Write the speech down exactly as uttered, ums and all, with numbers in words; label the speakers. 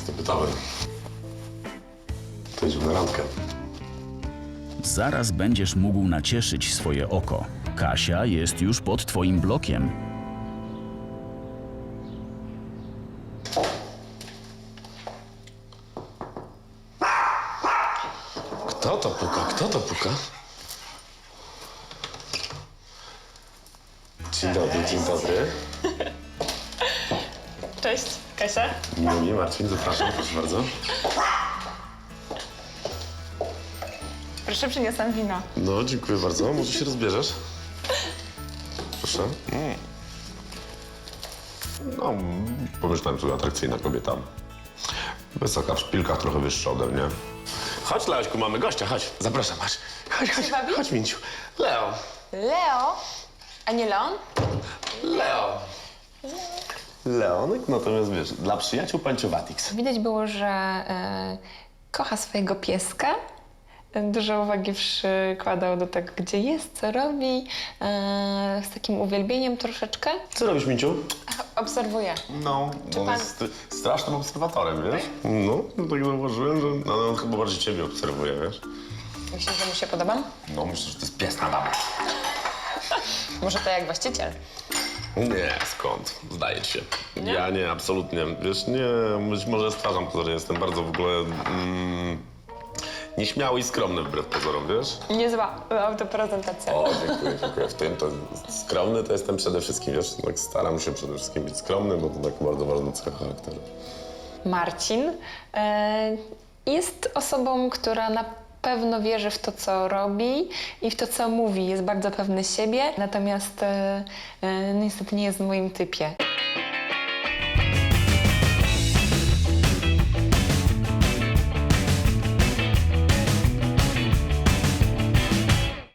Speaker 1: Jestem gotowy. To idźmy na randkę.
Speaker 2: Zaraz będziesz mógł nacieszyć swoje oko. Kasia jest już pod twoim blokiem.
Speaker 1: Kto to puka? Kto to puka? Dzień dobry, dzień dobry.
Speaker 3: Cześć, Kasia.
Speaker 1: Miło mi, Marcin, zapraszam, proszę bardzo.
Speaker 3: Proszę, przyniosłam wino.
Speaker 1: No, dziękuję bardzo. Może się rozbierzesz? Proszę. Mm. No, pomyślałem sobie, atrakcyjna kobieta. Wysoka w szpilkach, trochę wyższa ode mnie. Chodź, Leośku, mamy gościa, chodź. Zapraszam, chodź. Chodź, chodź,
Speaker 3: bawi?
Speaker 1: chodź, Minciu. Leo.
Speaker 3: Leo? A nie Leon?
Speaker 1: Leo. Leonek, natomiast wiesz, dla przyjaciół Panciowatix.
Speaker 3: Widać było, że e, kocha swojego pieska. Dużo uwagi przykładał do tego, gdzie jest, co robi. E, z takim uwielbieniem troszeczkę.
Speaker 1: Co robisz, Minciu?
Speaker 3: Obserwuję.
Speaker 1: No, on
Speaker 3: pan-
Speaker 1: jest strasznym obserwatorem, wiesz? No, no tak zauważyłem, że no, on chyba bardziej ciebie obserwuje, wiesz?
Speaker 3: Myślisz, że mu się podobam?
Speaker 1: No, myślę, że to jest pies na babę.
Speaker 3: Może to jak właściciel.
Speaker 1: Nie, skąd? Zdaje ci się. Nie? Ja nie, absolutnie. Wiesz, nie, być może stwarzam pozory, jestem bardzo w ogóle mm, nieśmiały i skromny wbrew pozorom, wiesz?
Speaker 3: Niezła autoprezentacja.
Speaker 1: O, dziękuję, dziękuję. W tym to skromny to jestem przede wszystkim, wiesz? Tak staram się przede wszystkim być skromny, bo to tak bardzo ważna cecha charakteru.
Speaker 3: Marcin e, jest osobą, która na pewno wierzy w to, co robi i w to, co mówi. Jest bardzo pewny siebie, natomiast e, e, niestety nie jest w moim typie.